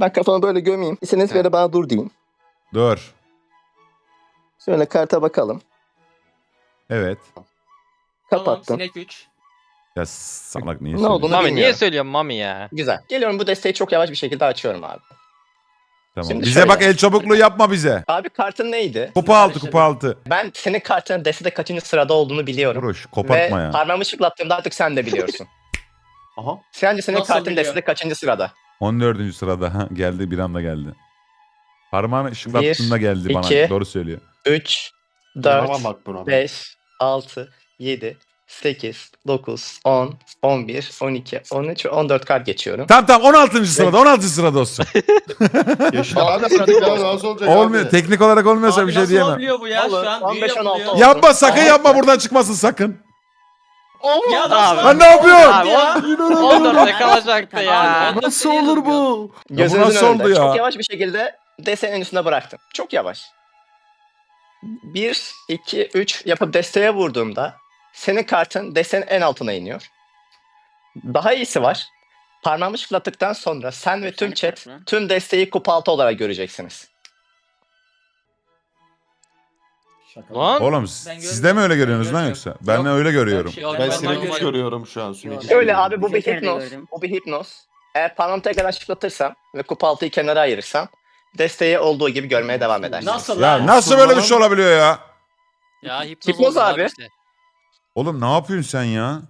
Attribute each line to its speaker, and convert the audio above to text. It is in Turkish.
Speaker 1: Ben kafamı böyle gömeyim. İstediğiniz bir yere bana dur deyin.
Speaker 2: Dur.
Speaker 1: Şöyle karta bakalım.
Speaker 2: Evet.
Speaker 3: Tamam,
Speaker 1: Kapattım.
Speaker 3: sinek 3.
Speaker 2: Ya salak niye
Speaker 1: Ne
Speaker 2: söylüyorsun?
Speaker 1: olduğunu
Speaker 4: Mami niye
Speaker 1: bilmiyorum.
Speaker 4: söylüyorsun Mami ya?
Speaker 1: Güzel. Geliyorum, bu desteği çok yavaş bir şekilde açıyorum abi.
Speaker 2: Tamam.
Speaker 1: Şimdi
Speaker 2: Bize
Speaker 1: şöyle.
Speaker 2: bak, el çabukluğu yapma bize.
Speaker 1: Abi kartın neydi?
Speaker 2: Kupa altı, kupa altı.
Speaker 1: Ben senin kartının destede kaçıncı sırada olduğunu biliyorum.
Speaker 2: Vuruş, kopartma
Speaker 1: Ve
Speaker 2: ya.
Speaker 1: parmağımı şıklattığımda artık sen de biliyorsun.
Speaker 5: Aha.
Speaker 1: Sence senin
Speaker 3: Nasıl
Speaker 1: kartın
Speaker 3: biliyor?
Speaker 1: destede kaçıncı sırada?
Speaker 2: 14. sırada. Ha, geldi, bir anda geldi. Parmağını ışıklattığında geldi bana.
Speaker 1: iki.
Speaker 2: Doğru söylüyor.
Speaker 1: 3,
Speaker 5: Tamam
Speaker 1: 4,
Speaker 5: bak buna.
Speaker 1: 5, 6, 7, 8, 9, 10, 11, 12, 13 ve 14 kart geçiyorum.
Speaker 2: Tamam 16. sırada, 16. sırada olsun.
Speaker 5: Yaşa abi pratik ya nasıl olacak
Speaker 2: Olmuyor.
Speaker 5: abi?
Speaker 2: Teknik olarak olmuyorsa
Speaker 3: Abi
Speaker 2: bir şey
Speaker 3: nasıl
Speaker 2: diyemem.
Speaker 3: olabiliyor bu ya?
Speaker 1: Olur,
Speaker 3: Şu an
Speaker 1: 15,
Speaker 3: büyü
Speaker 1: 16
Speaker 3: yapılıyor.
Speaker 1: olsun.
Speaker 2: Yapma, sakın yapma, buradan çıkmasın sakın.
Speaker 3: Ya
Speaker 4: Abi.
Speaker 3: nasıl?
Speaker 2: Lan ne yapıyorsun?
Speaker 4: Abi
Speaker 3: Ya.
Speaker 4: 14'te kalacaktı ya.
Speaker 3: Abi,
Speaker 5: Nasıl olur bu?
Speaker 1: Gözünüzün
Speaker 2: nasıl
Speaker 1: önünde.
Speaker 2: oldu ya?
Speaker 1: Çok yavaş bir şekilde desenin üstüne bıraktım. Çok yavaş. 1, 2, 3 yapıp desteye vurduğumda senin kartın desenin en altına iniyor. Daha iyisi var. Parmağımı şıklattıktan sonra sen ve tüm chat tüm desteği kupa altı olarak göreceksiniz.
Speaker 4: Lan.
Speaker 2: Oğlum
Speaker 3: Ben
Speaker 2: siz de mi öyle görüyorsunuz lan
Speaker 3: görmüyorum.
Speaker 2: yoksa? Ben de
Speaker 3: Yok.
Speaker 2: öyle görüyorum.
Speaker 3: Yok,
Speaker 5: Ben
Speaker 3: normal
Speaker 5: sinek 3
Speaker 3: görüyorum.
Speaker 5: görüyorum şu an. Sinek üç
Speaker 1: Öyle
Speaker 5: görüyorum.
Speaker 1: abi, bu bir
Speaker 6: Joker'i de
Speaker 1: hipnoz.
Speaker 6: gördüm.
Speaker 1: Bu bir hipnoz. Eğer parmağımı tekrardan şıklatırsam ve kupa altıyı kenara ayırırsam desteği olduğu gibi görmeye devam edersiniz.
Speaker 3: Nasıl
Speaker 2: Ya
Speaker 3: lan?
Speaker 2: nasıl böyle bir şey olabiliyor ya?
Speaker 7: Ya hipnoz,
Speaker 1: Hipnoz
Speaker 7: oldu
Speaker 1: abi.
Speaker 7: işte.
Speaker 2: Oğlum ne yapıyorsun sen ya?